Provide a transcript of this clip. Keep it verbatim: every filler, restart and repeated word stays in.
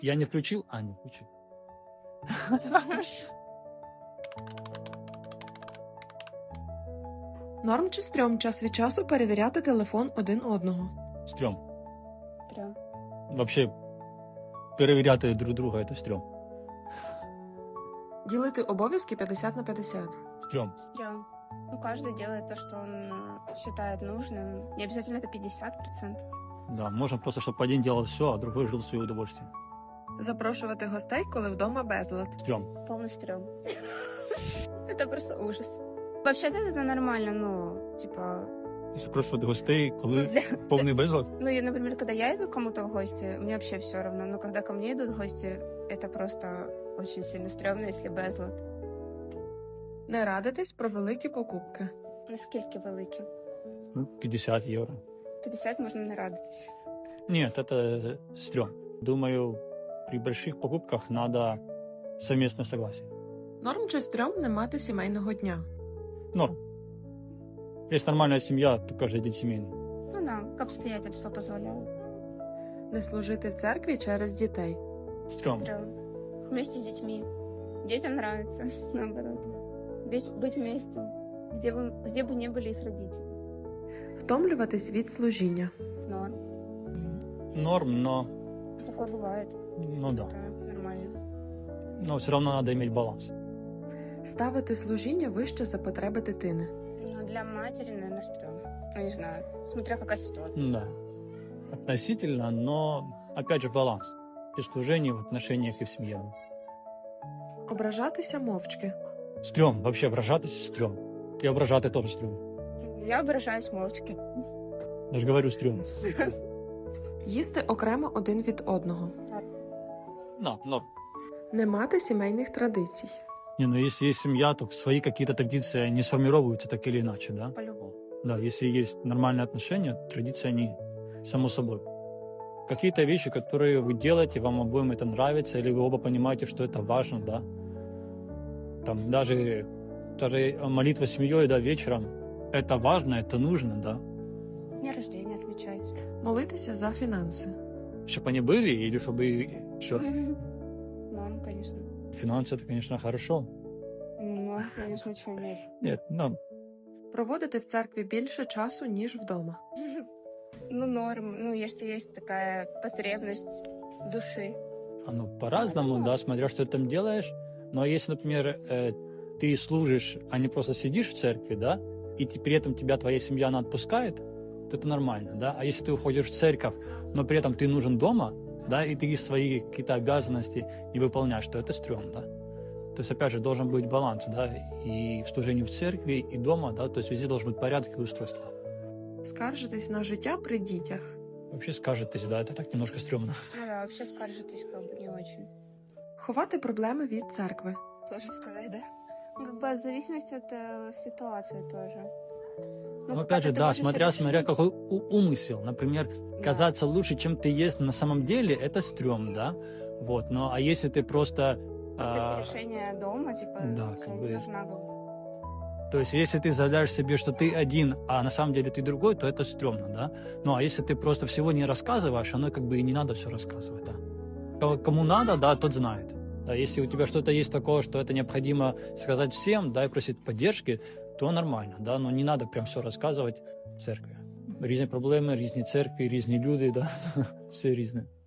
Я не включил? А, не включил. Норм чи стрьом час від часу перевіряти телефон один одного? Стрём. Трем. Вообще, перевіряти друг друга – это стрём. Ділити обов'язки п'ятдесят на п'ятдесят. Стрём. Стрём. Ну, каждый делает то, что он считает нужным. Не обязательно это пятьдесят процентов. Да, можно просто, чтобы один делал все, а другой жил в свое удовольствие. Запрошувати гостей, коли вдома безлад. Стрём. Полный стрём. Это просто ужас. Вообще-то это нормально, ну, типа... Запрошувати гостей, коли Для- повний безлад? Ну, и, например, когда я иду к кому-то в гости, мне вообще все равно. Но когда ко мне идут гости, это просто очень сильно стрёмно, если безлад. Не радитись про великі покупки. Наскільки великі? Ну, пятьдесят евро. п'ятдесят можна не радитись. Нет, это стрём. Думаю, при больших покупках надо совместное согласие. Норм чи стрьом не мати сімейного дня? Норм. Если нормальная семья, то каждый день семейный. Ну да, как обстоятельства позволяют. Не служити в церкві через дітей. Стрём. Стрём. Вместе с детьми. Детям нравится, наоборот. Быть, быть вместе, где бы, где бы не были их родители. Втомлюватись від служіння. Норм. Норм, но, Такое бывает. ну да. Это нормально. Но все равно надо иметь баланс. Ставити служіння вище за потреби дитини. Но для матери, наверное, стрём. Ну, не знаю, смотря какая ситуация. Да. Относительно, но, опять же, баланс. И в служении, в отношениях, и в семье. Ображатися мовчки. Стрём. Вообще, ображатись стрём. И ображати тоже стрём. Я ображаюсь молчки. Я же говорю стрём. Їсти окремо один від одного. Да, норм. Не мати сімейних традицій. Не, ну если есть семья, то свои какие-то традиции, они сформируются так или иначе, да? По-любому. Да, если есть нормальные отношения, традиции, они само собой. Какие-то вещи, которые вы делаете, вам обоим это нравится, или вы оба понимаете, что это важно, да? Там даже, даже молитва с семьей, да, вечером, это важно, это нужно, да? День рождения отмечать. Молитися за фінанси. Чтобы они были, или чтобы... Что? Мам, конечно. Финансы, это, конечно, хорошо. Ну, конечно, чего нет. Нет, ну, Проводити в церкві більше часу, ніж вдома. Ну, норм. Ну, если есть такая потребность души. оно по-разному, да, смотря что ты там делаешь. Но если, например, э, ты служишь, а не просто сидишь в церкви, да, и ты- при этом тебя твоя семья, она отпускает, то это нормально, да. А если ты уходишь в церковь, но при этом ты нужен дома, да, и ты свои какие-то обязанности не выполняешь, то это стрём, да. То есть, опять же, должен быть баланс, да, и в служении в церкви, и дома, да, то есть везде должен быть порядок и устройство. Скаржитись на життя при дітях. Вообще скажетесь, да, это так немножко стрёмно. Ну да, вообще скажетесь как бы не очень. Ховати проблеми від церкви. Сложно сказать, да? Ну, как бы в зависимости от э, ситуации тоже. Ну, какая-то опять же, ты да, можешь смотря, смотря решить. какой у- умысел. Например, Да. казаться лучше, чем ты есть на самом деле, это стрём, да? Вот, но а если ты просто... После а, решения дома, типа, да, всё, как не бы- нужна как бы. То есть, если ты заявляешь себе, что ты один, а на самом деле ты другой, то это стрёмно, да? Ну, а если ты просто всего не рассказываешь, оно как бы и не надо все рассказывать, да? Ко- Кому надо, да, тот знает. Да, если у тебя что-то есть такое, что это необходимо сказать всем, да, и просить поддержки, то нормально, да, но не надо прям все рассказывать в церкви. Різні проблеми, різні церкви, різні люди, да, все різне.